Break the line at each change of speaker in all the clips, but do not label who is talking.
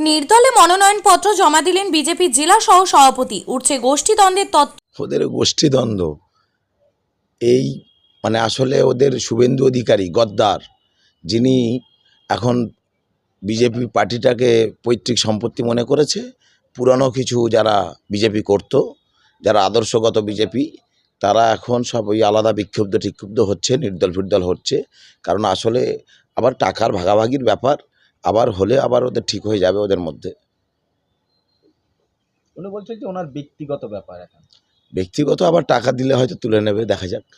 নির্দলে মনোনয়নপত্র জমা দিলেন বিজেপি জেলা সহ সভাপতি। উঠছে গোষ্ঠীদ্বন্দ্বের তত্ত্ব।
ওদের গোষ্ঠীদ্বন্দ্ব এই আসলে ওদের শুভেন্দু অধিকারী গদ্দার, যিনি এখন বিজেপি পার্টিটাকে পৈতৃক সম্পত্তি মনে করেছে। পুরানো কিছু যারা বিজেপি করত, যারা আদর্শগত বিজেপি, তারা এখন সব ওই আলাদা বিক্ষুব্ধ হচ্ছে, নির্দল ফিরদল হচ্ছে। কারণ আসলে আবার টাকার ভাগাভাগির ব্যাপার, আবার হলে আবার ওদের ঠিক হয়ে যাবে ওদের মধ্যে।
উনি বলছেন যে ওনার ব্যক্তিগত ব্যাপার, এখন
ব্যক্তিগত আবার টাকা দিলে হয়তো তুলে নেবে, দেখা যাক।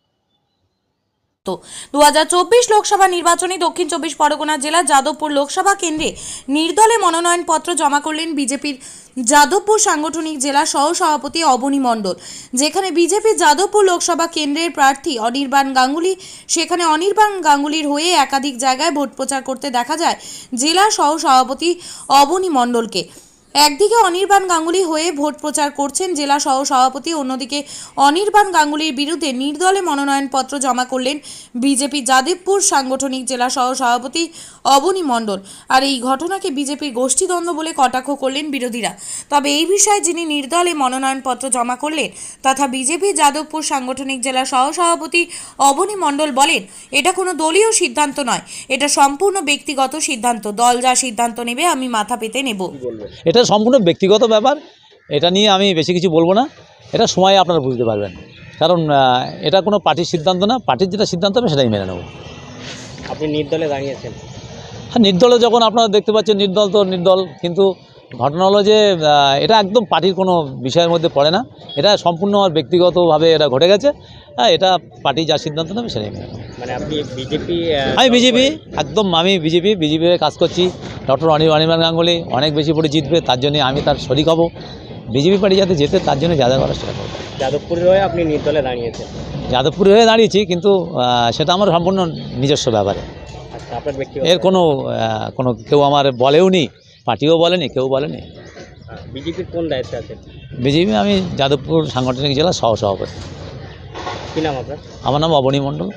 2024 লোকসভা নির্বাচনে দক্ষিণ 24 পরগনা জেলা যাদবপুর লোকসভা কেন্দ্রে নির্দলে মনোনয়নপত্র জমা করলেন বিজেপির যাদবপুর সাংগঠনিক জেলা সহ সভাপতি অবনী মণ্ডল। যেখানে বিজেপি যাদবপুর লোকসভা কেন্দ্রের প্রার্থী অনির্বাণ গাঙ্গুলি, সেখানে অনির্বাণ গাঙ্গুলির হয়ে একাধিক জায়গায় ভোট প্রচার করতে দেখা যায় জেলা সহ সভাপতি অবনী মণ্ডলকে। একদিকে অনির্বাণ গাঙ্গুলি হয়ে ভোট প্রচার করছেন জেলা সহ সভাপতি, অন্যদিকে অনির্বাণ গাঙ্গুলির বিরুদ্ধে নির্দলে মনোনয়নপত্র জমা করলেন বিজেপি যাদবপুর সাংগঠনিক জেলা সহ সভাপতি অবনী মণ্ডল। আর এই ঘটনাকে বিজেপির গোষ্ঠীদ্বন্দ্ব বলে কটাক্ষ করলেন বিরোধীরা। তবে এই বিষয়ে যিনি নির্দলে মনোনয়নপত্র জমা করলেন তথা বিজেপি যাদবপুর সাংগঠনিক জেলা সহ সভাপতি অবনী মণ্ডল বলেন, এটা কোনো দলীয় সিদ্ধান্ত নয়, এটা সম্পূর্ণ ব্যক্তিগত সিদ্ধান্ত। দল যা সিদ্ধান্ত নেবে আমি মাথা পেতে নেব।
এটা সম্পূর্ণ ব্যক্তিগত ব্যাপার, এটা নিয়ে আমি বেশি কিছু বলবো না। এটা সময় আপনারা বুঝতে পারবেন, কারণ এটা কোনো পার্টির সিদ্ধান্ত না। পার্টির যেটা সিদ্ধান্ত হবে সেটাই মেনে নেব।
আপনি নির্দলে দাঁড়িয়েছেন।
হ্যাঁ, নির্দলে যখন আপনারা দেখতে পাচ্ছেন, নির্দল তো নির্দল, কিন্তু ঘটনা হলো যে এটা একদম পার্টির কোনো বিষয়ের মধ্যে পড়ে না। এটা সম্পূর্ণ আমার ব্যক্তিগতভাবে এটা ঘটে গেছে। হ্যাঁ, এটা পার্টি যা সিদ্ধান্ত নেবে সেটাই মেনে নেব।
মানে আপনি বিজেপি?
আমি বিজেপি, একদম আমি বিজেপি কাজ করছি। ডক্টর অনির্বাণ গাঙ্গুলি অনেক বেশি ভোটে জিতবে, তার জন্য আমি তার শরিক হব। বিজেপি পার্টি যাতে জেতে তার জন্য যা যা করার সেটা করব।
যাদবপুরের হয়ে আপনি নির্দলে দাঁড়িয়েছেন?
যাদবপুরে হয়ে দাঁড়িয়েছি, কিন্তু সেটা আমার সম্পূর্ণ নিজস্ব ব্যাপারে।
আচ্ছা, আপনার ব্যক্তিগত
এর কোনো কেউ আমার বলেও নি, পার্টিও বলেনি, কেউ বলেনি।
বিজেপির কোন দায়িত্বে আছেন?
বিজেপি আমি যাদবপুর সাংগঠনিক জেলা সহ সভাপতি।
কী নাম আপনার?
আমার নাম অবনী মণ্ডল।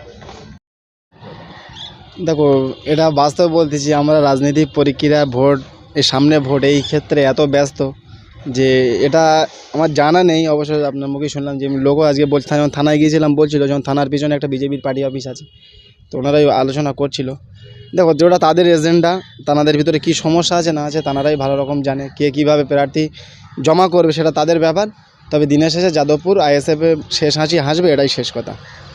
দেখো, এটা বাস্তব বলতেছি, আমরা রাজনৈতিক প্রক্রিয়া, ভোট, এই সামনে ভোট, এই ক্ষেত্রে এত ব্যস্ত যে এটা আমার জানা নেই। অবশ্যই আপনার মুখে শুনলাম যে লোকও আজকে বলছে, যখন থানায় গিয়েছিলাম বলছিল, যখন থানার পিছনে একটা বিজেপির পার্টি অফিস আছে, তো ওনারাই আলোচনা করছিল। দেখো, যেটা তাদের এজেন্ডা, তাদের ভিতরে কি সমস্যা আছে না আছে তারাই ভালো রকম জানে। কে কীভাবে প্রার্থী জমা করবে সেটা তাদের ব্যাপার। তবে দিনের শেষে যাদবপুর আইএসএফে শেষ হাসি হাসবে, এটাই শেষ কথা।